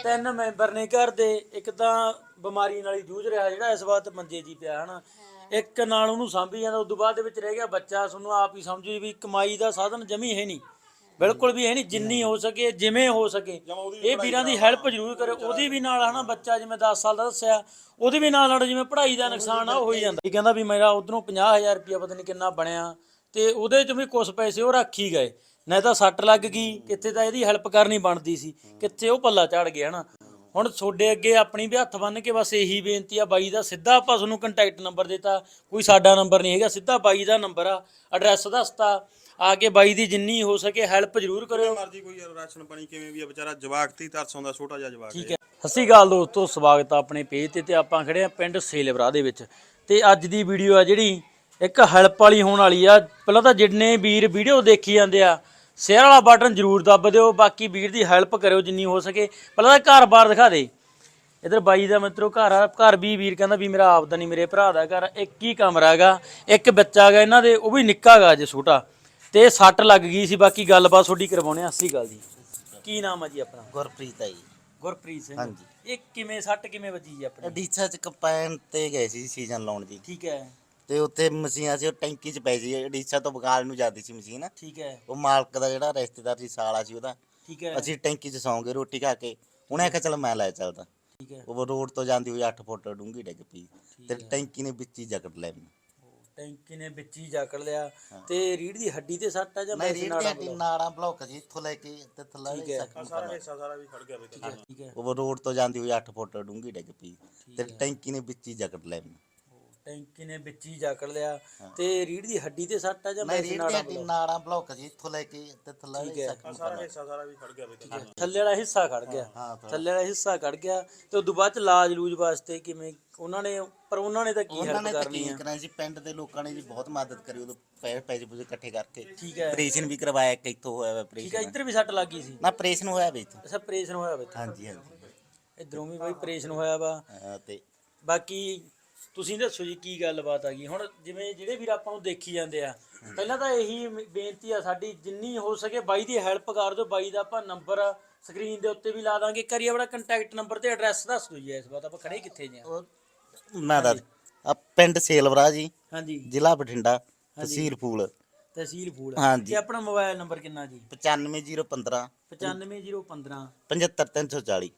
ਤਿੰਨ ਮੈਂਬਰ ਨੇ ਘਰ ਦੇ। ਇੱਕ ਤਾਂ ਬਿਮਾਰੀ ਨਾਲ ਹੀ ਜੂਝ ਰਿਹਾ ਜਿਹੜਾ ਇਸ ਵਕਤ ਮੰਜੇ 'ਚ ਹੀ ਪਿਆ ਹਨਾ, ਇੱਕ ਨਾਲ ਉਹਨੂੰ ਸਾਂਭੀ ਜਾਂਦਾ। ਉਦੋਂ ਬਾਅਦ ਦੇ ਵਿੱਚ ਰਹਿ ਗਿਆ ਬੱਚਾ। ਤੁਹਾਨੂੰ ਆਪ ਹੀ ਸਮਝੋ ਵੀ ਕਮਾਈ ਦਾ ਸਾਧਨ ਜਮੀ ਹੈ ਨਹੀਂ, ਬਿਲਕੁਲ ਵੀ ਹੈ ਨਹੀਂ। ਜਿੰਨੀ ਹੋ ਸਕੇ ਜਿਵੇਂ ਹੋ ਸਕੇ ਇਹ ਵੀਰਾਂ ਦੀ ਹੈਲਪ ਜ਼ਰੂਰ ਕਰਿਓ। ਉਹਦੀ ਵੀ ਨਾਲ ਹਨਾ, ਬੱਚਾ ਜਿਵੇਂ 10 ਸਾਲ ਦਾ ਦੱਸਿਆ, ਉਹਦੇ ਵੀ ਨਾਲ ਜਿਵੇਂ ਪੜ੍ਹਾਈ ਦਾ ਨੁਕਸਾਨ ਆ ਉਹ ਹੋਈ ਜਾਂਦਾ। ਇਹ ਕਹਿੰਦਾ ਵੀ ਮੇਰਾ ਉਧਰੋਂ 50,000 ਰੁਪਇਆ ਪਤਾ ਨਹੀਂ ਕਿੰਨਾ ਬਣਿਆ, ਤੇ ਉਹਦੇ 'ਚ ਵੀ ਕੁਛ ਪੈਸੇ ਉਹ ਰੱਖ ਹੀ ਗਏ। ਨਹੀਂ ਤਾਂ ਸੱਟ ਲੱਗ ਗਈ, ਕਿੱਥੇ ਤਾਂ ਇਹਦੀ ਹੈਲਪ ਕਰਨੀ ਬਣਦੀ ਸੀ, ਕਿੱਥੇ ਉਹ ਪੱਲਾ ਝੜ ਗਿਆ ਹਨਾ। ਹੁਣ ਤੁਹਾਡੇ ਅੱਗੇ ਆਪਣੀ ਵੀ ਹੱਥ ਬੰਨ੍ਹ ਕੇ ਬਸ ਇਹੀ ਬੇਨਤੀ ਆ, ਬਾਈ ਦਾ ਸਿੱਧਾ ਆਪਾਂ ਤੁਹਾਨੂੰ ਕੰਟੈਕਟ ਨੰਬਰ ਦਿੱਤਾ, ਕੋਈ ਸਾਡਾ ਨੰਬਰ ਨਹੀਂ ਹੈਗਾ, ਸਿੱਧਾ ਬਾਈ ਦਾ ਨੰਬਰ ਆ, ਐਡਰੈਸ ਦੱਸਤਾ, ਆ ਕੇ ਬਾਈ ਦੀ ਜਿੰਨੀ ਹੋ ਸਕੇ ਹੈਲਪ ਜ਼ਰੂਰ ਕਰਿਓ। ਮਰਜ਼ੀ ਕੋਈ ਰਾਸ਼ਨ ਪਾਣੀ ਕਿਵੇਂ ਵੀ ਆ, ਵਿਚਾਰਾ ਜਵਾਕ ਤੀ ਤਰਸ ਆਉਂਦਾ, ਛੋਟਾ ਜਿਹਾ ਜਵਾਕ। ਠੀਕ ਹੈ, ਸਤਿ ਸ਼੍ਰੀ ਅਕਾਲ ਦੋਸਤੋ, ਸਵਾਗਤ ਆ ਆਪਣੇ ਪੇਜ ਤੇ ਆਪਾਂ ਖੜੇ ਆ ਪਿੰਡ ਸੇਲਵਰਾ ਦੇ ਵਿੱਚ। ਤੇ ਅੱਜ ਦੀ ਵੀਡੀਓ ਆ ਜਿਹੜੀ ਇੱਕ ਹੈਲਪ ਵਾਲੀ ਹੋਣ ਵਾਲੀ ਆ। ਪਹਿਲਾਂ ਤਾਂ ਜਿੰਨੇ ਵੀਰ ਵੀਡੀਓ ਦੇਖੀ ਜਾਂਦੇ ਆ ਸ਼ੇਅਰ ਵਾਲਾ ਬਟਨ ਜ਼ਰੂਰ ਦੱਬ ਦਿਓ, ਬਾਕੀ ਵੀਰ ਦੀ ਹੈਲਪ ਕਰਿਓ ਜਿੰਨੀ ਹੋ ਸਕੇ। ਪਹਿਲਾਂ ਤਾਂ ਘਰ ਬਾਰ ਦਿਖਾ ਦੇ। ਇੱਧਰ ਬਾਈ ਦਾ ਮਿੱਤਰੋ ਘਰ ਆ, ਘਰ ਵੀ ਵੀਰ ਕਹਿੰਦਾ ਵੀ ਮੇਰਾ ਆਪਦਾ ਨਹੀਂ, ਮੇਰੇ ਭਰਾ ਦਾ ਘਰ। ਇੱਕ ਹੀ ਕਮਰਾ ਹੈਗਾ, ਇੱਕ ਬੱਚਾ ਹੈਗਾ ਇਹਨਾਂ ਦੇ, ਉਹ ਵੀ ਨਿੱਕਾ ਹੈਗਾ ਅਜੇ ਛੋਟਾ, ਤੇ ਸੱਟ ਲੱਗ ਗਈ ਸੀ। ਬਾਕੀ ਗੱਲਬਾਤ ਤੁਹਾਡੀ ਕਰਵਾਉਣੇ ਆ। ਸਤਿ ਸ਼੍ਰੀ ਅਕਾਲ ਜੀ, ਕੀ ਨਾਮ ਆ ਜੀ ਆਪਣਾ? ਗੁਰਪ੍ਰੀਤ ਆ ਜੀ। ਗੁਰਪ੍ਰੀਤ ਸਿੰਘ। ਹਾਂਜੀ। ਇਹ ਕਿਵੇਂ ਸੱਟ ਕਿਵੇਂ ਵੱਜੀ ਜੀ ਆਪਣੀ? ਡੀਸਾ ਚ ਕੰਪਾਈਨ ਤੇ ਗਏ ਸੀ ਸੀਜ਼ਨ ਲਾਉਣ ਜੀ, ਠੀਕ ਹੈ, ਤੇ ਉੱਥੇ ਮਸ਼ੀਨ ਸੀ, ਉਹ ਟੈਂਕੀ ਚ ਪਈ ਸੀ। ਡੀਸਾ ਤੋਂ ਬਗਾਲ ਨੂੰ ਜਾਂਦੀ ਸੀ ਮਸ਼ੀਨ। ਠੀਕ ਹੈ, ਉਹ ਮਾਲਕ ਦਾ ਜਿਹੜਾ ਰਿਸ਼ਤੇਦਾਰ ਸੀ, ਸਾਲਾ ਸੀ ਉਹਦਾ। ਠੀਕ ਹੈ, ਅਸੀਂ ਟੈਂਕੀ ਚ ਸੌਂ ਗਏ ਰੋਟੀ ਖਾ ਕੇ। ਉਹਨੇ ਆਖਿਆ ਚਲ ਮੈਂ ਲੈ ਚੱਲਦਾ। ਠੀਕ ਹੈ। ਉਹ ਰੋਡ ਤੋਂ ਜਾਂਦੀ ਹੋਈ 8 ਫੁੱਟ ਡੂੰਘੀ ਡਿੱਗ ਪਈ, ਤੇ ਹੈ। ਟੈਂਕੀ ਨੇ ਵਿੱਚ ਹੀ ਜਕੜ ਲਿਆ ਮੈਨੂੰ। ਟੈਂਕੀ ਨੇ ਵਿੱਚ ਹੀ ਜਕੜ ਲਿਆ। ਤੇ ਰੀੜ ਦੀ ਹੱਡੀ ਤੇ ਸੱਟ ਆ ਜਾਂ ਨਹੀਂ, ਵੈਸੇ ਰੀੜ ਦੀ ਹੱਡੀ ਨਾੜਾਂ ਬਲੌਕ ਜੀ, ਇੱਥੋਂ ਲੈ ਕੇ ਤੇ ਥੱਲੇ ਠੀਕ ਹੈ। ਸਾਰਾ ਹਿੱਸਾ ਵੀ ਖੜ ਗਿਆ ਵਿੱਚ। ਠੀਕ ਹੈ, ਉਹ ਰੋਡ ਤੋਂ ਜਾਂਦੀ ਹੋਈ 8 ਫੁੱਟ ਡੂੰਘੀ ਡਿੱਗ ਪਈ, ਤੇ ਟੈਂਕੀ ਨੇ ਵਿੱਚ ਹੀ ਜਕੜ ਲਿਆ ਮੈਨੂੰ। ਟੈਂਕੀ ਨੇ ਵਿੱਚ ਹੀ ਜਕੜ ਲਿਆ। ਤੇ ਰੀੜ ਦੀ ਹੱਡੀ ਤੇ ਸੱਟ ਆ ਜਾਂ ਨਹੀਂ, ਵੈਸੇ ਰੀੜ ਦੀ ਹੱਡੀ ਨਾੜਾਂ ਬਲੌਕ ਜੀ, ਇੱਥੋਂ ਲੈ ਕੇ ਤੇ ਥੱਲੇ ਸਾਰਾ ਹਿੱਸਾ ਵੀ ਖੜ ਗਿਆ ਵਿੱਚ। ਥੱਲੇ ਵਾਲਾ ਹਿੱਸਾ ਖੜ ਗਿਆ, ਥੱਲੇ ਵਾਲਾ ਹਿੱਸਾ ਖੜ ਗਿਆ। ਤੇ ਉਦੋਂ ਬਾਅਦ ਚ ਇਲਾਜ ਲੂਜ ਵਾਸਤੇ ਕਿਵੇਂ ਉਹਨਾਂ ਨੇ, ਪਰ ਉਹਨਾਂ ਨੇ ਤਾਂ ਕੀ ਹੈਲਪ ਕਰਨੀ ਆ? ਕਰਾਈ ਸੀ ਪਿੰਡ ਦੇ ਲੋਕਾਂ ਨੇ ਜੀ, ਬਹੁਤ ਮਦਦ ਕਰੀ। ਉਦੋਂ ਪੈਸੇ ਪੂਸੇ ਇਕੱਠੇ ਕਰਕੇ ਠੀਕ ਹੈ, ਆਪਰੇਸ਼ਨ ਵੀ ਕਰਵਾਇਆ, ਇੱਕ ਇੱਥੋਂ ਹੋਇਆ ਠੀਕ ਹੈ। ਆਪਰੇਸ਼ਨ। ਇੱਧਰ ਵੀ ਸੱਟ ਲੱਗ ਗਈ ਸੀ? ਨਾ ਆਪਰੇਸ਼ਨ ਹੋਇਆ ਵੇ ਇੱਥੋਂ। ਅੱਛਾ, ਆਪਰੇਸ਼ਨ ਹੋਇਆ ਵਾ? ਹਾਂਜੀ ਹਾਂਜੀ। ਇੱਧਰੋਂ ਵੀ ਬਈ ਆਪਰੇਸ਼ਨ ਹੋਇਆ ਵਾ। ਤੇ ਬਾਕੀ ਤੁਸੀਂ ਦੱਸੋ ਜੀ ਕੀ ਗੱਲਬਾਤ ਆ ਗਈ ਹੁਣ? ਜਿਵੇਂ ਜਿਹੜੇ ਵੀਰ ਆਪਾਂ ਨੂੰ ਦੇਖੀ ਜਾਂਦੇ ਆ, ਪਹਿਲਾਂ ਤਾਂ ਇਹੀ ਬੇਨਤੀ ਆ ਸਾਡੀ, ਜਿੰਨੀ ਹੋ ਸਕੇ ਬਾਈ ਦੀ ਹੈਲਪ ਕਰ ਦਿਓ। ਬਾਈ ਦਾ ਆਪਾਂ ਨੰਬਰ ਸਕਰੀਨ ਦੇ ਉੱਤੇ ਵੀ ਲਾ ਦਾਂਗੇ। ਕਰੀਏ ਆਪਣਾ ਕੰਟੈਕਟ ਨੰਬਰ ਤੇ ਐਡਰੈਸ ਦੱਸ ਦਿਓ ਜੀ। ਇਸ ਵਾਰ ਆਪਾਂ ਖੜੇ ਕਿੱਥੇ ਜੀ? ਮੈਂ ਦੱਸ, ਪਿੰਡ ਸੇਲਵਰਾ ਜੀ, ਹਾਂਜੀ, ਜ਼ਿਲ੍ਹਾ ਬਠਿੰਡਾ, ਤਹਿਸੀਲ ਫੂਲ। ਤਹਿਸੀਲ ਫੂਲ। ਹਾਂਜੀ। ਤੇ ਆਪਣਾ ਮੋਬਾਈਲ ਨੰਬਰ ਕਿੰਨਾ ਜੀ? 95015 95015 75340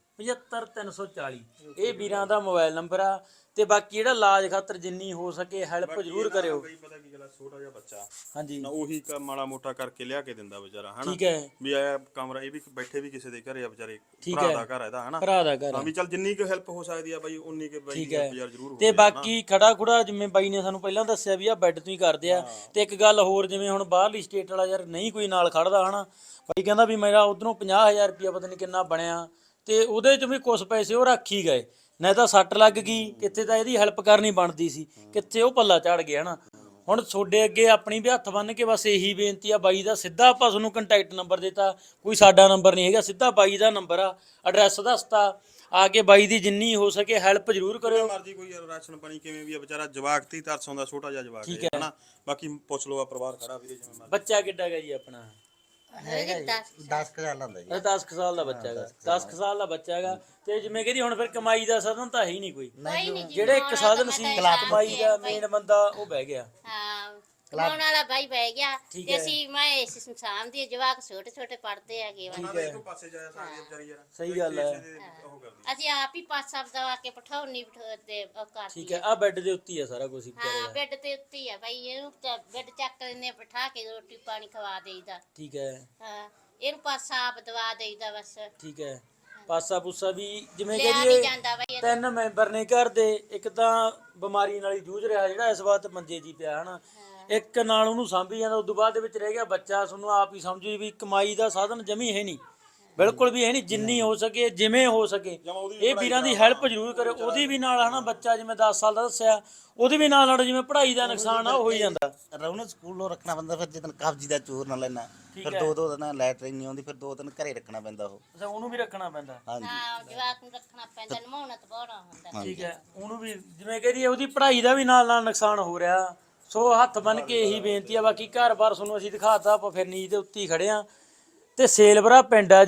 75340। ਇਹ ਵੀਰਾਂ ਦਾ ਮੋਬਾਈਲ ਨੰਬਰ ਆ। ਤੇ ਬਾਕੀ ਜਿਹੜਾ ਇਲਾਜ ਖਾਤਰ ਜਿੰਨੀ ਹੋ ਸਕੇ ਹੈਲਪ ਜ਼ਰੂਰ ਕਰਿਓ। ਪਤਾ ਕੀ ਗੱਲ, ਛੋਟਾ ਜਿਹਾ ਬੱਚਾ ਹਾਂਜੀ, ਨਾ, ਉਹੀ ਮਾੜਾ ਮੋਟਾ ਕਰਕੇ ਲਿਆ ਕੇ ਦਿੰਦਾ ਵਿਚਾਰਾ ਹਨਾ। ਠੀਕ ਹੈ, ਵੀ ਆਇਆ ਕਮਰਾ, ਇਹ ਵੀ ਬੈਠੇ ਵੀ ਕਿਸੇ ਦੇ ਘਰੇ ਆ ਵਿਚਾਰੇ, ਠੀਕ ਭਰਾ ਹੈ, ਦਾ ਘਰ ਆ ਇਹਦਾ ਹਨਾ। ਭਰਾ ਦਾ ਘਰ ਹਾਂ, ਆ। ਵੀ ਚੱਲ ਜਿੰਨੀ ਕੁ ਹੈਲਪ ਹੋ ਸਕਦੀ ਆ ਬਾਈ, ਉਨੀ ਕੁ ਬਾਈ ਠੀਕ ਦੀ ਹੈ। ਹੈਲਪ ਯਾਰ ਜ਼ਰੂਰ ਹੋ ਤੇ ਬਾਕੀ ਖੜਾ ਖੁੜਾ ਜਿਵੇਂ ਬਾਈ ਨੇ ਸਾਨੂੰ ਪਹਿਲਾਂ ਦੱਸਿਆ ਵੀ ਆ ਬੈੱਡ ਤੋਂ ਹੀ ਕਰਦੇ ਆ। ਤੇ ਇੱਕ ਗੱਲ ਹੋਰ, ਜਿਵੇਂ ਹੁਣ ਬਾਹਰਲੀ ਸਟੇਟ ਵਾਲਾ ਯਾਰ ਨਹੀਂ ਕੋਈ ਨਾਲ ਖੜਦਾ ਹਨਾ, ਬਾਈ ਕਹਿੰਦਾ ਵੀ ਮੇਰਾ ਉਧਰੋਂ 50,000 ਰੁਪਇਆ ਪਤਾ ਨਹੀਂ ਕਿੰਨਾ ਬਣਿਆ, ਤੇ ਉਹਦੇ 'ਚ ਵੀ ਕੁਛ ਪੈਸੇ ਉਹ ਰੱਖ ਹੀ ਗਏ। ਨਹੀਂ ਤਾਂ ਸੱਟ ਲੱਗ ਗਈ, ਕਿੱਥੇ ਤਾਂ ਇਹਦੀ ਹੈਲਪ ਕਰਨੀ ਬਣਦੀ ਸੀ, ਕਿੱਥੇ ਉਹ ਪੱਲਾ ਝੜ ਗਿਆ ਹਨਾ। ਹੁਣ ਤੁਹਾਡੇ ਅੱਗੇ ਆਪਣੀ ਵੀ ਹੱਥ ਬੰਨ੍ਹ ਕੇ ਬਸ ਇਹੀ ਬੇਨਤੀ ਆ, ਬਾਈ ਦਾ ਸਿੱਧਾ ਆਪਾਂ ਤੁਹਾਨੂੰ ਕੰਟੈਕਟ ਨੰਬਰ ਦਿੱਤਾ, ਕੋਈ ਸਾਡਾ ਨੰਬਰ ਨਹੀਂ ਹੈਗਾ, ਸਿੱਧਾ ਬਾਈ ਦਾ ਨੰਬਰ ਆ, ਐਡਰੈਸ ਦੱਸਤਾ, ਆ ਕੇ ਬਾਈ ਦੀ ਜਿੰਨੀ ਹੋ ਸਕੇ ਹੈਲਪ ਜ਼ਰੂਰ ਕਰਿਓ। ਮਰਜ਼ੀ ਕੋਈ ਰਾਸ਼ਨ ਪਾਣੀ ਕਿਵੇਂ ਵੀ ਆ, ਵਿਚਾਰਾ ਜਵਾਕ ਤੀ ਤਰਸ ਆਉਂਦਾ, ਛੋਟਾ ਜਿਹਾ ਜਵਾਕ ਹੈ ਹਨਾ। ਬਾਕੀ ਪੁੱਛ ਲਓ, ਆ ਪਰਿਵਾਰ ਖੜਾ ਵੀਰੇ ਜਿਵੇਂ ਮਰਜ਼ੀ। ਬੱਚਾ ਕਿੱਡਾ ਹੈਗਾ ਜੀ ਆਪਣਾ? ਹੈਗਾ 10 ਸਾਲਾਂ ਦਾ ਜੀ। 10 ਸਾਲ ਦਾ ਬੱਚਾ ਹੈਗਾ, 10 ਸਾਲ ਦਾ ਬੱਚਾ ਹੈਗਾ। ਤੇ ਜਿਵੇਂ ਕਹਿੰਦੀ ਹੁਣ ਫਿਰ ਕਮਾਈ ਦਾ ਸਾਧਨ ਤਾਂ ਹੈ ਹੀ ਨਹੀਂ ਕੋਈ। ਜਿਹੜੇ ਇੱਕ ਸਾਧਨ ਸੀ ਕਮਾਈ ਦਾ ਮੇਨ ਬੰਦਾ, ਉਹ ਬਹਿ ਗਿਆ। ਹਾਂ, ਕਮਾਉਣ ਵਾਲਾ ਬਾਈ ਬਹਿ ਗਿਆ। ਠੀਕ ਤੇ ਹੈ। ਅਸੀਂ ਮੈਂ ਇਸ ਸੰਸਾਰ ਦੀ ਜਵਾਕ ਛੋਟੇ ਛੋਟੇ ਪੜਦੇ ਹੈਗੇ ਵਾ। ਉਹਨਾਂ ਦੇ ਇੱਕ ਪਾਸੇ ਜਾ ਸਕਦੀ ਆ ਵਿਚਾਰੀ ਯਾਰ। ਸਹੀ ਗੱਲ ਹੈ। ਉਹ ਕਰਦੀ ਅਸੀਂ ਆਪ ਹੀ ਪਾਸ ਸਭ ਦਵਾ ਕੇ ਪਠਾਉਣੀ ਤੇ ਉਹ ਕਰਦੀ ਠੀਕ ਹੈ, ਆ ਬੈੱਡ ਦੇ ਉੱਤੇ ਹੀ ਆ ਸਾਰਾ ਕੁਝ ਵਿਚਾਰੇ ਹਾਂ, ਦਾ। ਬੈੱਡ ਤੇ ਉੱਤੇ ਹੀ ਆ ਬਾਈ। ਇਹਨੂੰ ਤਾਂ ਬੈੱਡ ਚੱਕ ਲੈਨੇ, ਬਿਠਾ ਕੇ ਰੋਟੀ ਪਾਣੀ ਖਵਾ ਦੇਈਦਾ। ਠੀਕ ਹੈ, ਹਾਂ, ਇਹਨੂੰ ਪਾਸਾ ਆਪ ਦਵਾ ਦੇਈਦਾ ਬਸ। ਠੀਕ ਹੈ। ਪਾਸਾ ਪੂਸਾ ਵੀ ਜਿਵੇਂ ਲਿਆ ਕਹੀਏ ਨਹੀਂ ਜਾਂਦਾ ਬਾਈ। ਤਿੰਨ ਮੈਂਬਰ ਨੇ ਘਰ ਦੇ। ਇੱਕ ਤਾਂ ਬਿਮਾਰੀ ਨਾਲ ਹੀ ਜੂਝ ਰਿਹਾ ਜਿਹੜਾ ਇਸ ਵਕਤ ਮੰਜੇ 'ਚ ਹੀ ਪਿਆ ਹਨਾ, ਇੱਕ ਨਾਲ ਉਹਨੂੰ ਸਾਂਭੀ ਜਾਂਦਾ। ਉਦੋਂ ਬਾਅਦ ਦੇ ਵਿੱਚ ਰਹਿ ਗਿਆ ਬੱਚਾ। ਤੁਹਾਨੂੰ ਆਪ ਹੀ ਸਮਝੋ ਵੀ ਕਮਾਈ ਦਾ ਸਾਧਨ ਜਮੀ ਹੈ ਨਹੀਂ, ਬਿਲਕੁਲ ਵੀ ਹੈ ਨਹੀਂ। ਜਿੰਨੀ ਹੋ ਸਕੇ ਜਿਵੇਂ ਹੋ ਸਕੇ ਇਹ ਵੀਰਾਂ ਦੀ ਹੈਲਪ ਜ਼ਰੂਰ ਕਰਿਓ। ਉਹਦੀ ਵੀ ਨਾਲ ਹਨਾ, ਬੱਚਾ ਜਿਵੇਂ 10 ਸਾਲ ਦਾ ਦੱਸਿਆ, ਉਹਦੇ ਵੀ ਨਾਲ ਜਿਵੇਂ ਪੜ੍ਹਾਈ ਦਾ ਨੁਕਸਾਨ ਆ ਉਹ ਹੋਈ ਜਾਂਦਾ। ਰੌਣਕ ਸਕੂਲੋਂ ਰੱਖਣਾ ਪੈਂਦਾ, ਫਿਰ ਜਦੋਂ ਕਬਜ਼ੀ ਦਾ ਚੋਰ ਨਾ ਲੈਣਾ, ਫਿਰ 2-2 ਦਿਨ ਲੈਟਰਿਨ ਨਹੀਂ ਆਉਂਦੀ, ਫਿਰ 2 ਦਿਨ ਘਰੇ ਰੱਖਣਾ ਪੈਂਦਾ ਉਹ। ਅੱਛਾ, ਉਹਨੂੰ ਵੀ ਰੱਖਣਾ ਪੈਂਦਾ। ਹਾਂਜੀ ਹਾਂ, ਜਵਾਕ ਨੂੰ ਰੱਖਣਾ ਪੈਂਦਾ, ਨਮਾਉਣਾ ਤਾਂ ਬੜਾ ਹੁੰਦਾ। ਠੀਕ ਹੈ, ਉਹਨੂੰ ਵੀ ਜਿਵੇਂ ਕਹਦੀ ਉਹਦੀ ਪੜ੍ਹਾਈ ਦਾ ਵੀ ਨਾਲ ਨਾਲ ਨੁਕਸਾਨ ਹੋ ਰਿਹਾ। ਸੋ ਹੱਥ ਬੰਨ ਕੇ ਇਹੀ ਬੇਨਤੀ ਆ। ਬਾਕੀ ਘਰ ਬਾਰ ਤੁਹਾਨੂੰ ਅਸੀਂ ਦਿਖਾਤਾ, ਆਪਾਂ ਫਿਰ ਨੀਂਦ ਦੇ ਉੱਤੇ ਹੀ ਖੜੇ ਆ। ਤੇ ਸੇਲਵਰਾ ਪਿੰਡ ਆ ਜੀ,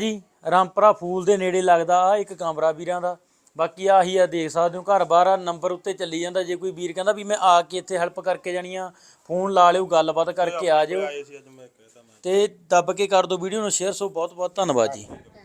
ਰਾਮਪੁਰਾ ਫੂਲ ਦੇ ਨੇੜੇ ਲੱਗਦਾ ਆ ਇੱਕ ਕਮਰਾ ਵੀਰਾਂ ਦਾ। ਬਾਕੀ ਆਹੀ ਆ, ਦੇਖ ਸਕਦੇ ਹੋ ਘਰ-ਬਾਰ ਆ, ਨੰਬਰ ਉੱਤੇ ਚੱਲੀ ਜਾਂਦਾ। ਜੇ ਕੋਈ ਵੀਰ ਕਹਿੰਦਾ ਵੀ ਮੈਂ ਆ ਕੇ ਇੱਥੇ ਹੈਲਪ ਕਰਕੇ ਜਾਣੀ ਆ, ਫੋਨ ਲਾ ਲਿਓ, ਗੱਲਬਾਤ ਕਰਕੇ ਆ ਜਾਓ ਆਏ ਸੀ ਅੱਜ ਮੈਂ ਕਹਿਤਾ ਮੈਂ ਤੇ ਦੱਬ ਕੇ ਕਰ ਦਿਓ ਵੀਡੀਓ ਨੂੰ ਸ਼ੇਅਰ। ਸੋ ਬਹੁਤ ਬਹੁਤ ਧੰਨਵਾਦ ਜੀ।